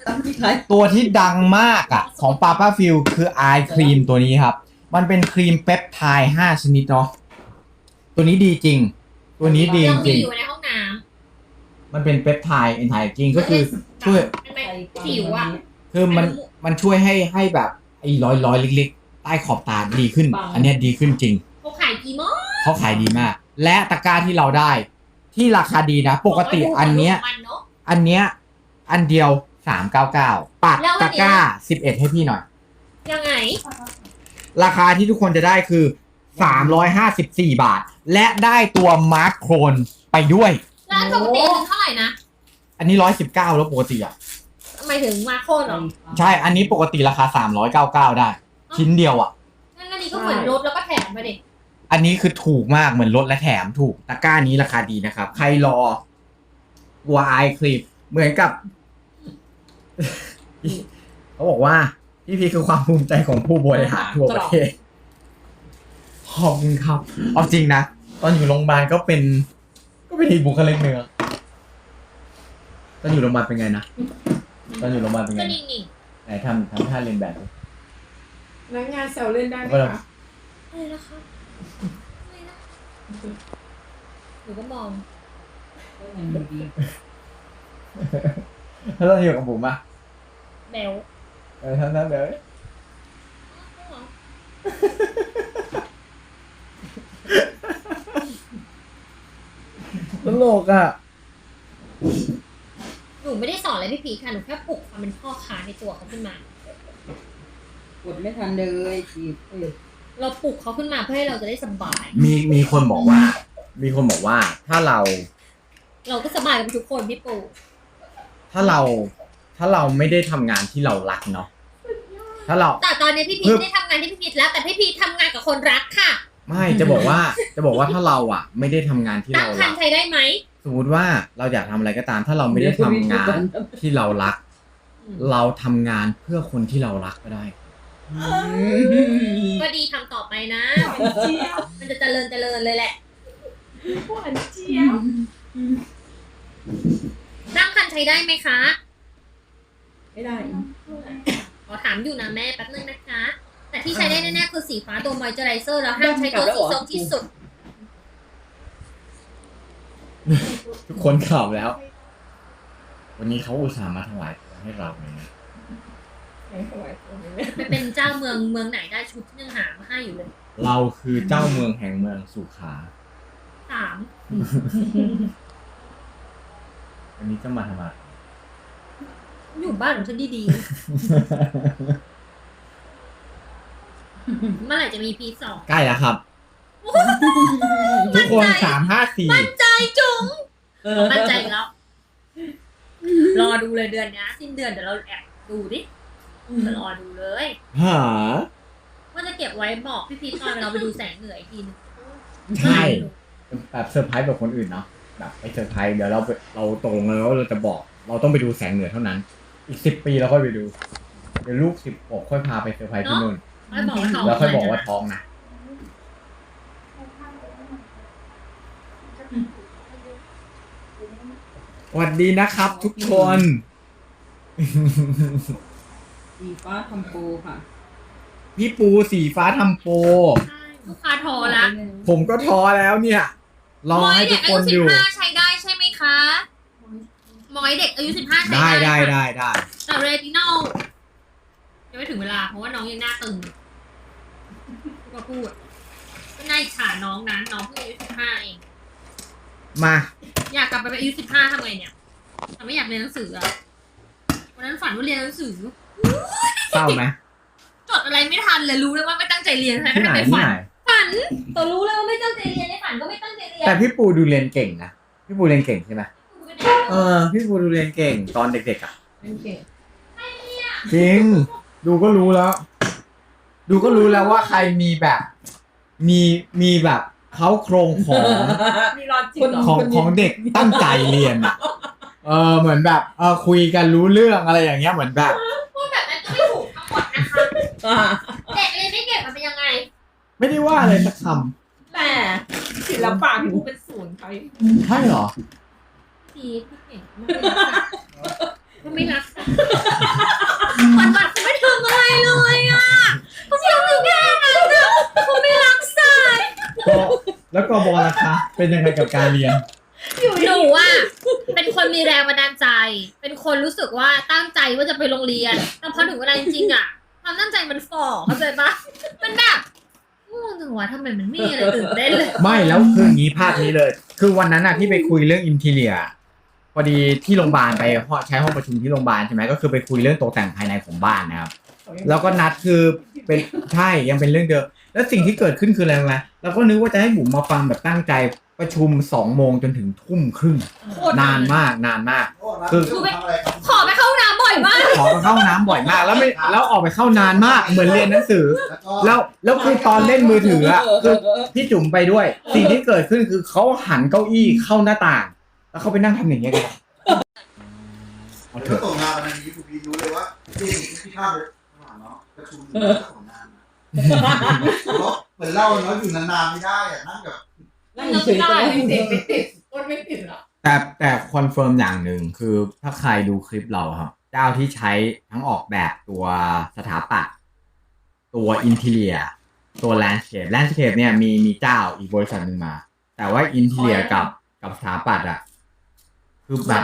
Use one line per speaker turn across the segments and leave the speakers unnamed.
ตั้งที่ใคร
ตัวที่ดังมากอ่ะของปาป้าฟิลคือไอครีมตัวนี้ครับมันเป็นครีมเปปไทด์5ชนิดเนาะตัวนี้ดีจริง ตัวนี้ดี
ยั
จ
มี
ริง
อยู่ในห้องน้
มันเป็นเปปไทด์เอนไทจริง
ำ
ก็คือช่วย
มันเป็นผิวอ่ะ
คือมันช่วยให้แบบไอ้รอยเล็กๆใต้ขอบตาดีขึ้น อันเนี้ยดีขึ้นจริง
เขาขายกี่โมง
เขาขายดีมาก และตะกร้าที่เราได้ ที่ราคาดีนะ ปกติอันเนี้ย
มันเนอะ
อันเนี้ยอันเดียว399ปัด
แล้ววันเนี้ย
ตะกร้า11ให้พี่หน่อย
ยังไง
ราคาที่ทุกคนจะได้คือ354 บาท และได้ตัวมาร์คโครนไปด้วย
แล้วปกติมันเท่าไหร่นะ
อันนี้119แล้วปกติอ่ะ
หมายถึงมาโคนเหรอ
ใช่ อันนี้ปกติราคา399ได้ ชิ้นเดียวอ่ะ
งั้นอันนี้ก็เหมือนลดแล้วก็แถมไปดิ
อันนี้คือถูกมากเหมือนลดและแถมถูกตะกร้านี้ราคาดีนะครับ ใครรอวัวไอครีมเหมือนกับ เขาบอกว่าพี่พีคือความภูมิใจของผู้บริหารทั่วประเทศขอบคุณครับ เอาจริงนะ ตอนอยู่โรงพยาบาลก็เป็นอีกบุคลิกหนึ่งอะตอนอยู่โรงพยาบาลเป็นไงนะตอนอยู่โรงพยาบาลเป็นไง
ก็
นะ
นิ่ง
ไหนทำท่าเรียนแบบดิ
พนักงานแซวเล่นได้ไหมคะ
ๆอะไรนะคะอะไรนะหนูก็มอง
แล้วตอนอยู่กับผมอะ
แบล
ทำแบบนี้ตลกอ่ะ
หนูไม่ได้สอนอะไรพี่พีชค่ะ หนูแค่ปลุกความเป็นพ่อค้าในตัวเขาขึ้นมา
กดไม่ทันเลยจีบ
เราปลุกเขาขึ้นมาเพื่อให้เราจะได้สบาย
มีคนบอกว่า ถ้าเรา
เราก็สบายกับทุกคนพี่ปู
ถ้าเราไม่ได้ทำงานที่เรารักเนาะถ้าเรา
แต่ตอนนี้พี่พีชไม่ได้ทำงานที่พี่พีชแล้ว แต่พี่พีชทำงานกับคนรักค่ะ
ไม่จะบอกว่าถ้าเราอ่ะ ไม่ได้ทำงานที่
ตั้ง
เรา
คั
รั
น
ก
ใช้ได้ไหม
สมมติว่าเราอยากทำอะไรก็ตาม ถ้าเราไม่ได้ทำงานที่เรารัก เราทำงานเพื่อคนที่เรารักก็ได้
ก็ดีทำต่อไปนะ
เจี๊ยบ
มันจะเจริญเลยแหละ
หวานเจี๊ยบ
ตั้งคันใช้ได้ไหมคะ
ไม่ได้
ขอถามอยู่นะแม่แป๊บนึงนะคะ แต่ที่ใช้ได้แน่ๆคือสีฟ้าตัวมอยเจอไรเซอร์แล้วห้ามใช้ตัวสีส้มที่สุด
ทุกคนข่าวแล้ว วันนี้เขาอุตส่าห์มาถวายของให้เราเลยนะ
ไปเป็นเจ้าเมืองไหนได้ชุดที่ยังหามาให้อยู่เลย
เราคือเจ้าเมืองแห่งเมืองสุขา
3
วันนี้จะมาทำอะไร
อยู่บ้านของฉันดีๆ เมื่อไหร่จะมีพีสอง
ใกล้แล้วครับ ทุกคน354
มั่นใจจุ๋งมั่นใจอีกแล้ว รอดูเลยเดือนนี้สิ้นเดือนเดี๋ยวเราแอบดูดิจะรอดูเลย
หา
ว่าจะเก็บไว้บอกพี่พีทตอนเราไปดูแสงเหนืออีกทีนึง
ใช่แบบเซอร์ไพรส์แบบคนอื่นเนาะแบบไปเซอร์ไพรส์เดี๋ยวเราตกลงกันแล้วเราจะบอก เราต้องไปดูแสงเหนือเท่านั้น อีก10 ปีเราค่อยไปดู เดี๋ยวลูก16ค่อยพาไปเซอร์ไพรส์ที่นู่น
ไม่บอกว่าท้อง
แล้วค่อยบอกว่าท้องนะสวัสดีนะครับทุกคน
สีฟ้าทำโปรค่ะ
พี่ปูสีฟ้าทำโปร
ใช่ลูกค้าโทรละ
ผมก็ท้อแล้วเนี่ย รอให้ทุกคนอยู่
มอยเด็กอายุ15ใช้ได้ใช่ไหมคะมอยเด็กอายุ15ใช้
ได้
ได้
ได้
ค่ะ
ได้ได้
แต่เรตินอลยังไม่ถึงเวลาเพราะว่าน้องยังหน้าตึงก็พูดก็น่าอิจฉาน้องนะน้องเพิ่งอายุ15เอง
มา
อยากกลับไปเป็นอายุ15ทำไงเนี่ยแต่ไม่อยากเรียนหนังสืออะวันนั้นฝันว่าเรียนหนังสือ
เศร้าไหม
จดอะไรไม่ทันเลยรู้เลยว่าไม่ตั้งใจเรียนใช่ไหม
ที่ไหน
ไม่
ที่
ฝั
ไหน
ฝันตัวรู้เลยว่าไม่ตั้งใจเรียนในฝันก็ไม่ตั้งใจเรียน
แต่พี่ปูดูเรียนเก่งนะพี่ปูเรียนเก่งใช่ไหมพี่ปูดูเรียนเก่งตอนเด็กๆอ่ะ
โอเค
จริง ดูก็รู้แล้ว ว่าใครมีแบบ มีแบบเขาโครงของ
มีรอจิต
ของเด็กตั้งใจเรียนอ่ะ เหมือนแบบคุยกันรู้เรื่องอะไรอย่างเงี้ยเหมือนแบบ
พูดแบบนั้นก็ไม่ถูกทั้งหมดนะคะเด็กเรียนไม่เก่งมันเป็นยังไง
ไม่ได้ว่าอะไรสักค
แต่ศิลปะพี่ปูเป็นศูนย์ไป
ำใช่เหรอ
พี่เก่งมากเลยนะเขาไม่รักมันแบบเขาไม่ทำอะไรเลยอ่ะเขาทำอยู่แค่นั้นนะเขาไม่รักสัตว์
ก็แล้วก็บอลล่ะคะเป็นยังไงกับการเรียน
หนูอ่ะเป็นคนมีแรงบันดาลใจ เป็นคนรู้สึกว่าตั้งใจว่าจะไปโรงเรียนแต่พอถึงเวลาจริงๆอ่ะความตั้งใจมันฝ่อเข้าใจปะมันแบบง่วงจังวะทำไมมันไม่มีอะไรตื่นเต้นเลย
ไม่แล้วคืออย่างนี้ภาพนี้เลย คือวันนั้นน่ะที่ไปคุยเรื่องอินทีเรียพอดีที่โรงพยาบาลไปใช้ห้องประชุมที่โรงพยาบาลใช่ไหมก็คือไปคุยเรื่องตกแต่งภายในของบ้านนะครับแล้วก็นัดคือเป็นใช่ยังเป็นเรื่องเดิมแล้วสิ่งที่เกิดขึ้นคืออะไรรู้ไหมเราก็นึกว่าจะให้บุ๋มมาฟังแบบตั้งใจประชุม2 โมงจนถึงทุ่มครึ่งนานมากคือ
ขอไปเข้าห้องน้ำบ่อยมาก
ขอไปเข้าห้องน้ำบ่อยมากแล้วออกไปเข้านานมากเหมือนเรียนหนังสือ แล้วคือตอนเล่นมือถืออ่ะคือพี่จุ๋มไปด้วย สิ่งที่เกิดขึ้นคือเขาหันเก้าอี้เข้าหน้าต่าง แล้วเขาไปนั่งทำอย่างเงี้ยกันเอาเถ
ถ้า
อะ
ส่งงานวันนี้คุณพีรู้เลยว่าที่ข้าวไปข้างหลังเนาะประชุมของงานเพราะเหมือนเล่าเนาะอยู่นานๆไม่ได้อะนั่งแบบ
นั่งเฉยๆก็ได้
ไม่ติดก้นไม่ติดหรอ
แต่คอนเฟิร์มอย่างหนึ่งคือถ้าใครดูคลิปเราครับ เจ้าที่ใช้ทั้งออกแบบตัวสถาปัตย์ตัวอินทีเรียตัวแลนด์สเคปเนี่ยมีเจ้าอีกบริษัทหนึ่งมา แต่ว่าอินทีเรียกับสถาปัตย์อะคือแบบ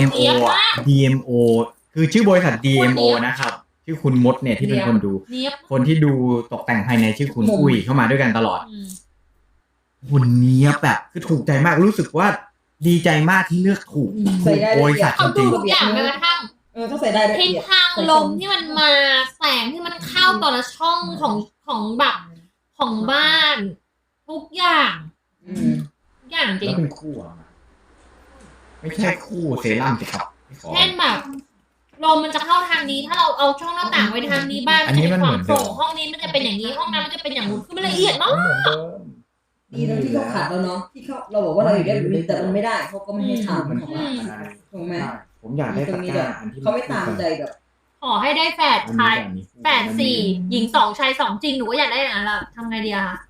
DMO คือชื่อบริษัท DMO นะครับ ชื่อคุณมดเนี่ยที่เป็นคนดู
เนียบ
คนที่ดูตกแต่งภายในชื่อคุณอุ้ยเข้ามาด้วยกันตลอด
อืม
หุ่นเนี้ยแบบคือถูกใจมากรู้สึกว่าดีใจมากที่เลือกถูก
ใส่ได้
บริษัท
เขา
จ
ดู
ริง
ทุกอย่างแม้กระทั่ง
ถ้าใส่ได้ละ
ทิศ
เอียด
ทางลมที่มันมาแสงที่มันเข้าแต่ละช่องของแบบของบ้าน ทุกอย่าง
อืม
ทุกอย่างจ
ๆ
ริ
แล้
ง
วเป็นคู่อะไม่ใช่คู่เซรั่มสิครับไม่ขอ
เช่นแบบลมมันจะเข้าทางนี้ ถ้าเราเอาช่องหน้าต่างไว้ทางนี้บ้าน
อันนี้มันเหมือนเดิม
โปร่งห้องนี้มันจะเป็นอย่างนี้ห้องน้ำมันจะเป็นอย่างนู้นคือมันละเอียดมาก
เหมือนเดิม
ดีตรงที่เขาขัดแล้วเนาะที่เราบอกว่าเราอยู่ได้อยู่ดีแต่มันไม่ได้เขาก็ไม่ให้ทำของเราถูกไหม
ผมอยากได้
ตร
ตะ
งนี้
ก
แบ
ร้า
บ
อันที่
เขาไม่ตามใจแบบ
ขอให้ได้แฝดชายแฝดสี่หญิง2ชาย2จริงหนูก็อยากได้อย่างนั้นแหละทำไงดีอะคะ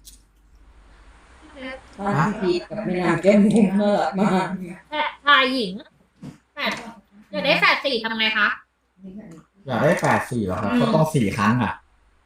ถ้าพี่พีทกับแม่นางแก้มบุ๋มน่ารักมาก
แฝดชายหญิงแฝดอยากได้แฝดสี่ทำไงคะ
อยากได้8-4เหรอครับก็ต้อง4 ครั้งอ่ะ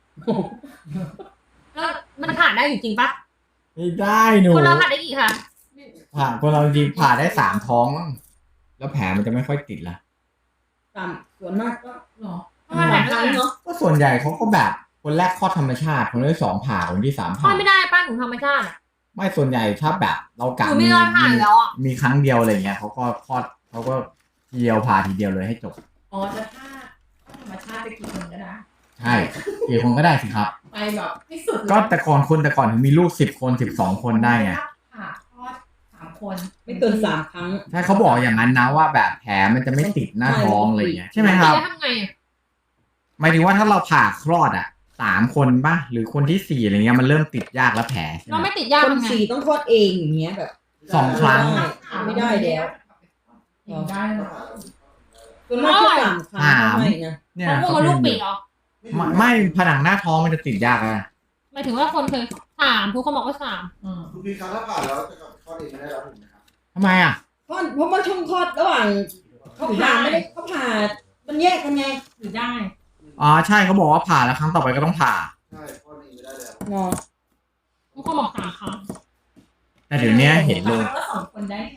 แล้วมันผ่านได้อยู่จริงปะ
ไม่ได้หนู
คนเราผ่านได้กี่ครั้ง
ผ่าคนเราจริงผ่าได้3 ท้องมั้งแล้วแผลมันจะไม่ค่อยติดละ
ตามส่วนมากก็
หรอ
มันผ่านได้เนาะ
ก็ส่วนใหญ่เขาก็แบบคนแรกคลอดธรรมชาติคนที่2ผ่าคนที่3
ผ่า
ผ่า
ไม่ได้ป้าหนูธรรมชาติอะ
ไม่ส่วนใหญ่ถ้าแบบเรา
ห
กะ
นูไม่รอดผ่านแล้วอะ
มีครั้งเดียวอะไรเงี้ยเขาก็คลอดเขาก็ทีเดียวผ่าทีเดียวเลยให้จบ
อ๋อจะถ้าธรรมชาติจะกี่คนก็ได้
ใช่กี่คนก็ได้สิครับ
ไปแบบที่สุด
ก็แต่ก่อนถึงมีลูก10 คน12 คนได้ไง
ผ่าคลอด3 คน
ไม่เกิน3 ครั้ง
ใช่เขาบอกอย่างนั้นนะว่าแบบแผลมันจะไม่ติดหน้าท้องอะไรเงี้ยใช่ไหมครับ
แล้วทำไงอะ
หมายถึงว่าถ้าเราผ่าคลอด3 คนป่ะหรือคนที่4อะไรเงี้ยมันเริ่มติดยากแล้วแผลใช่ไห
เรา
ม
ไม่ติดยาก
คน
ทำไง
4ต้องคลอดเองอย่างเงี้ยแบบ
2 ครั้ง
ไม่ได้แล้ว
ได้หรอ
ส่วนมากแค่3 ครั้งไม่นะ
เนี่ย
เขาพูดว่าลูกปีกเหรอ
ไม่ผนังหน้าท้องมันจะติดยากอะ
หมายถึงว่าคนเคย3ทุกคนบอกว่า3
คุณพีครับถ้าผ่านแล้วจะเข้าเองไม่ได้แล้วถูกไหมครับ
ทำไมอ่ะ
เพราะมันช่องคลอดระหว่างเขาผ่าไม่ได้เขาผ่ามันแยกกันไง
หรือได้
อ๋อใช่เขาบอกว่าผ่าแล้วครั้งต่อไปก็ต้องผ่า
ใช่เข้าเองไม่ได้แล้ว
เนาะ
ทุกคนบอก3 ครั้ง
แต่เดี๋ยวนี้เห็นลง
แล้ว2 คนได้ไง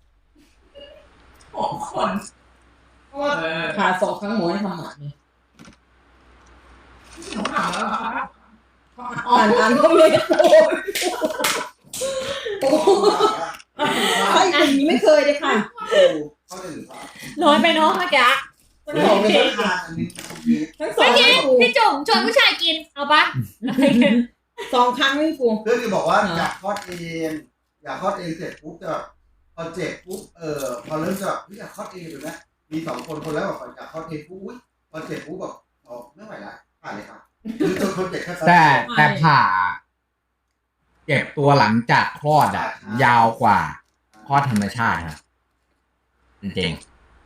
6 คน
เพราะว่าผ่า2 ครั้งหมอให้ทำหมันเนี่ย
หนูถามแล้วเหรอคะ
อ่านก็เลยโอ้ใช่คนนี้ไม่เคยเลยค่ะ
เข้าเองหรือเปล่า
น้อยไปเนาะเมื่อกี้
ไม่ได้ไม่ได้ทานอันนี้คุณพี
ทั้งสอ
ไม่
ง
กินพี่จุ๋มชวนผู้ชายกินเอาปะ
2 ครั้งไม่กู
เพื่อนที่บอกว่าอยากคลอดเองอยากคลอดเองเสร็จปุ๊บจะพอเจ็บปุ๊บพอเริ่มจะอยากคลอดเองอยู่นะมี2 คนคนแรกบอกอยากคลอดเองปุ๊บพอเจ็บปุ๊บบอกไม่ไหวละผ่านเลยครับคือจนคนเจ็บแค่
แต่ผ่าเก็บตัวหลังจากคลอดยาวกว่าคลอดธรรมชาติครับจริง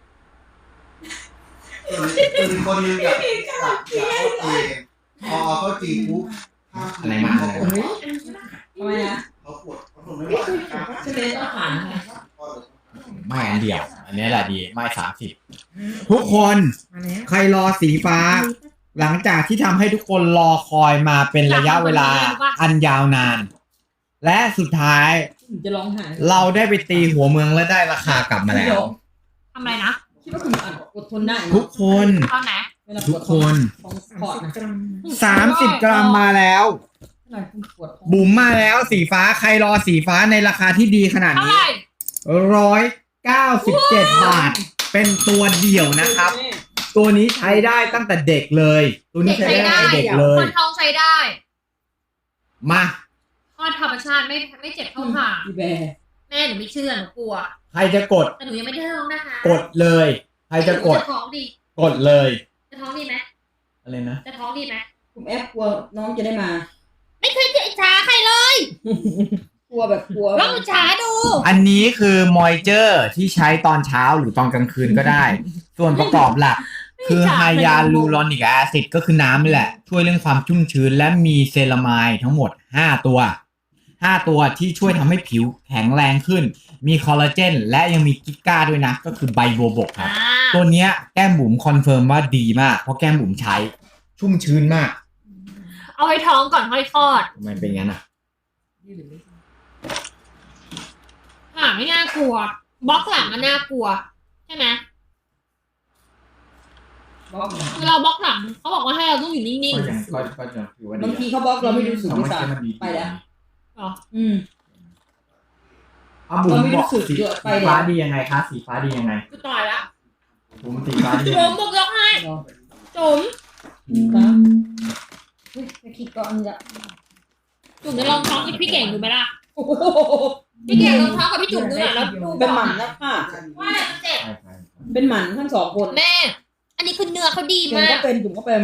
คือคนนึงอยากคลอดเองพอเข้าจริงปุ๊บ
อะไรมาอะไรมา
ทำไมนะ
เขาปวดเขาทนไม่ไหว
ใช่ไหมต้องผ่าน
คลอดเลย
ไม่อันเดียว อันนี้แหละดีไม่30ทุกคน
มาแล้ว
ใครรอสีฟ้า หลังจากที่ทำให้ทุกคนรอคอยมาเป็นระยะเวลาอันยาวนาน และสุดท้าย
จะร้องไห้
เราได้ไปตีหัวเมืองและได้ราคากลับมาแล้ว
ทำอะไรนะ
คิดว่าคุณอดทนได้นะ
ทุกคน
ตอนไหน
เวลาป
ทุ
ว
ก
ด
คน
ของสปอร์ตนะ
กรัม
30 กรัมมาแล้ว
เวลาคุณปวดท้อง
บุ๋มมาแล้วสีฟ้าใครรอสีฟ้าในราคาที่ดีขนาด
เท่า
นี้
ไหร่
197 บาท เป็นตัวเดี่ยวนะครับ ตัวนี้ใช้ได้ตั้งแต่เด็กเลย ตัวนี้ใช้ได้ตั้งแต่เด็กเล
ค
ย
นท้องใช้ได้
มา
คลอดธรรมชาติไม่เจ็บเท่าผ่า
อีแบร์
แม่หนูไม่เชื่อหนูกลัว
ใครจะกด
แต่หนูยังไม่ได้ท้องนะคะ
กดเลย ใครจะกด
จะท้องดี
กดเลย
จะท้องดีไหม
อะไรนะ
จะท้องดีไหม
คุณแอปกลัวน้องจะได้มา
ไม่เคยเจอช้าใครเลย
กลัวแบบกลัว
ลองช้าดู
อันนี้คือมอยเจอร์ที่ใช้ตอนเช้าหรือตอนกลางคืนก็ได้ ส่วนประกอบหลัก คือไฮยาลูรอนิกแอซิดก็คือน้ำนี่แหละ ช่วยเรื่องความชุ่มชื้นและมีเซรามายทั้งหมด 5 ตัว 5 ตัวที่ช่วยทำให้ผิวแข็งแรงขึ้น มีคอลลาเจนและยังมีกิก้าด้วยนะ ก็คือไบโบบกครับ ตัวเนี้ยแก้มบุ๋มคอนเฟิร์มว่าดีมาก เพราะแก้มบุ๋มใช้ชุ่มชื้นมาก
เอาให้ท้องก่อนค่อยคลอด
ทำไมเป็นงั้นอ่ะ
ไม่น่ากลัว บล็อกหลังมันน่ากลัว ใช่ไหม
บล็อก
เวลาบล็อกหลังเขาบอกว่าให้เราต้องอยู่นิ่ง
ก็ยังถือว่าดี
บางทีเขาบล็อกเราไม่รู้สึกด้วยซ้ำไปแล้ว
ๆหรอ
อืม
เอาบุ๋ม
เราไม่รู้
บอก
สึก
สี
เยอะไปเลย
ฟ้าดียังไงคะสีฟ้าดียังไง
กูตายละ
บุ๋มสีฟ้าดียัง
จุ๋
ไง
มบอกยกให้
เนาะ
จุ๋ม
นะเฮ้ยไปคิดก็อันนี้ละ
จุ๋มจะลองท้องกับพี่เก่งดูไหมล่ะ
โอ้โห
พี่เก่งลองท้องกับพี่จุ๋มดูหน่อยแล้วดู
เป็นหมันนะค่ะ
ว่าอะไรมันเจ็บ
ใช่ใช่
เป็นหมันทั้งสองคน
แม่ อันนี้คือเนื้อเขาดี
จุ๋ม
มา
ก็
ก
เป็นจุ๋มก็เป็น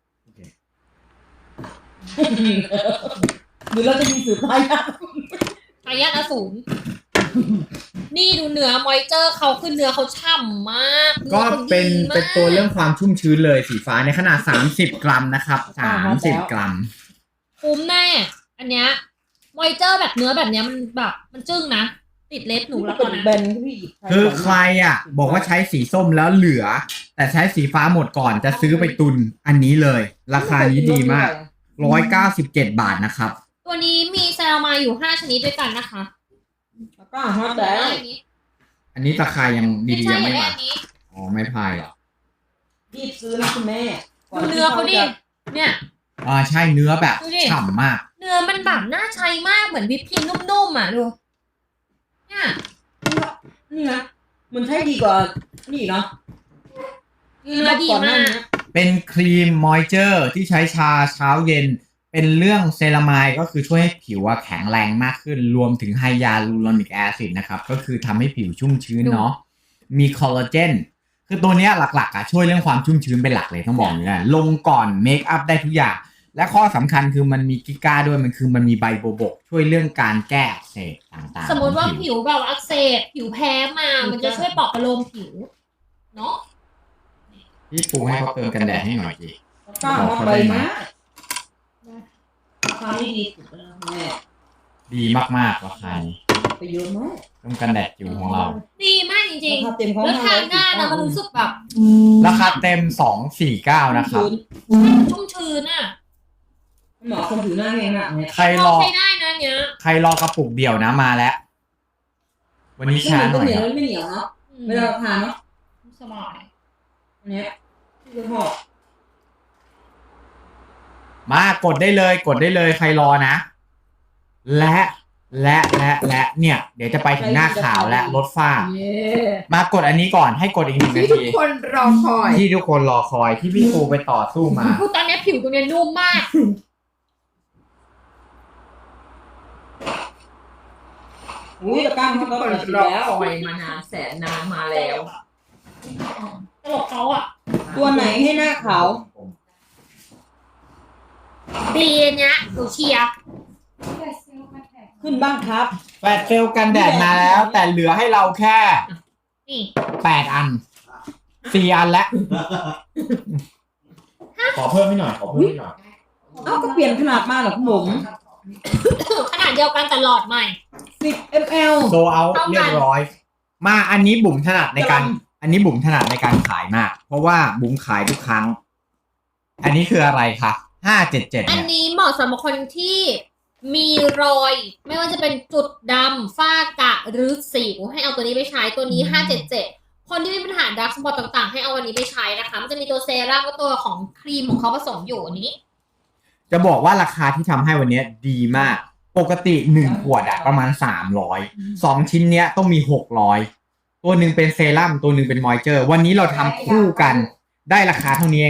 หรือเราจะมีสืบทายาท
ทายาทอสูรนี่ดูเนื้อมอยเจอร์เขาคือเนื้อเขาฉ่ำมาก
ก็เป็น
นื้อขาดีมาก
เป็นตัวเรื่องความชุ่มชื้นเลยสีฟ้าในขนาด30 กรัมนะครับ30 กรัม
คุ้มแน่ อันเนี้ยมอยเจอร์แบบเนื้อแบบเนี้ยมันแบบมันจึ้งนะ ติดเล็บหนูแล้ว
เป็
ก่อน
น
นะ
แบนที่หยิบ
คือใครอ่ะ บอกว่าใช้สีส้มแล้วเหลือ แต่ใช้สีฟ้าหมดก่อนจะซื้อไปตุนอันนี้เลย ราคานี้ดีมาก197 บาทนะครับ
ตัวนี้มีเซรามายอยู่5ชนิดด้วยกันนะคะ
แล้วก็ฮอตแล้ว
อันนี้
อันนี้ราคายัง
ไม่
ดี
ใช่
ๆยัง
อย่า
ไม่
ได้
มา
อันนี้
อ๋อไม่พายเหรอ
รีบซื้อนะคุณแม่ก่
ดู
ที่
เนื้อเขาดิ
จะ
เนี่ย
ใช่เนื้อแบบ
ดูดิ
ฉ่ำมาก
เนื้อมันแบบน่าใช้มากเหมือนวิปครีมนุ่มๆอ่ะดู เนี่ย
นี่นะมันใช้ดีกว่านี่เนาะ
เนื้อดี
ก่อนห
มา
น้าก นี้
เป็นครีมมอยเจอร์ที่ใช้ชาเช้าเย็น เป็นเรื่องเซรามายก็คือช่วยให้ผิวอะแข็งแรงมากขึ้น รวมถึงไฮยาลูรอนิกแอซิดนะครับ ก็คือทำให้ผิวชุ่มชื้นเนาะ มีคอลลาเจน คือตัวเนี้ยหลักๆอะช่วยเรื่องความชุ่มชื้นเป็นหลักเลยต้องบอกอย่างนี้นะลงก่อนเมคอัพได้ทุกอย่าง และข้อสำคัญคือมันมีกิก้าด้วยมันคือมันมีไบโบบก ช่วยเรื่องการแก้อักเสบต่างๆ
สมมติว่า
ของ
ผิวแบบอักเสบผิวแพ้มา มันจะช่วยปลอบประโลมผิว เนาะ
พี่ปูให้เขาเติมกันแดดให้หน่อยดิ
แล้วก็ฮอตไปนะราคานี่ดีสุดแล้วแม่
ดีมากๆราคานี้
ไปเยอะมาก
เติมกันแดดจิ๋วของเรา
ดีมากจริง
ราคาเต็ม
ๆ
ของ
แล้วทานง่ายนะมันรู้สึกแบบ
ราคาเต็ม249นะครับ
ชุ่มชื้นอ่ะ
หมอคนผิวหน้าแห้งมากเนี่ย
ใครรอ
ใช้ได้นะเนี้ย
ใครรอกระปุกเดี่ยวนะมาแล้ว วันนี้ช้าหน่อย
เหนี
ค
ยว
รับ
ไม่เหนียวเนาะ
อืม
เวลาเราทานเนาะ
สบาย
อันเนี้ยคือหอม
มากดได้เลยกดได้เลยใครรอนะ และเนี่ย เดี๋ยวจะไปถึงหน้าขาวและลดฝ้า
เย้
มากดอันนี้ก่อนให้กดอีก1 นา
ที่ทุก
ที
คนรอคอย
ที่ทุกคนรอคอยที่พี่ปูไปต่อสู้มา
คือตอนนี้ผิวตรงเนี้ยนุ่มมาก
อุ้ยตะกร้า
ทุ
เขา
ก
ก็
คน
เปิด
รอ
แล้ว
คอยมานานแสนนานมาแล้ว
ตลกเขาอ่ะ
ตัวไหนให้หน้าขาว
ดีอันเนี้ยหนูเชียร์
ขึ้นบ้างครับ
แฟดเซลกันแดดมาแล้ว แต่เหลือให้เราแค่
นี่
8 อัน 4 อันแล้ว ขอเพิ่มให้หน่อย ขอเพิ่มให้หน่อย
เอ้าก็เปลี่ยนขนาดมาเหรอคุณผม
ขนาดเดียวกันแต่หลอดใหม่
10 ml
โซเอาเรียบร้อยมาอันนี้บุ๋มถนัดในการขายมาก เพราะว่าบุ๋มขายทุกครั้ง อันนี้คืออะไรคะ577
อัน
เนี่ย
นี้เหมาะสำหรับคนที่มีรอย ไม่ว่าจะเป็นจุดดำฝ้ากระหรือสิวให้เอาตัวนี้ไปใช้ตัวนี้577คนที่มีปัญหาดาร์กสปอตต่างๆให้เอาวันนี้ไปใช้นะคะมันจะมีตัวเซรั่มกับตัวของครีมของเขาผสมอยู่อันนี้
จะบอกว่าราคาที่ทำให้วันนี้ดีมาก ปกติ1 ขวดอะประมาณ300 2 ชิ้นเนี้ยต้องมี600ตัวหนึ่งเป็นเซรั่มตัวหนึ่งเป็นมอยเจอร์วันนี้เราทำคู่กันได้ราคาเท่านี้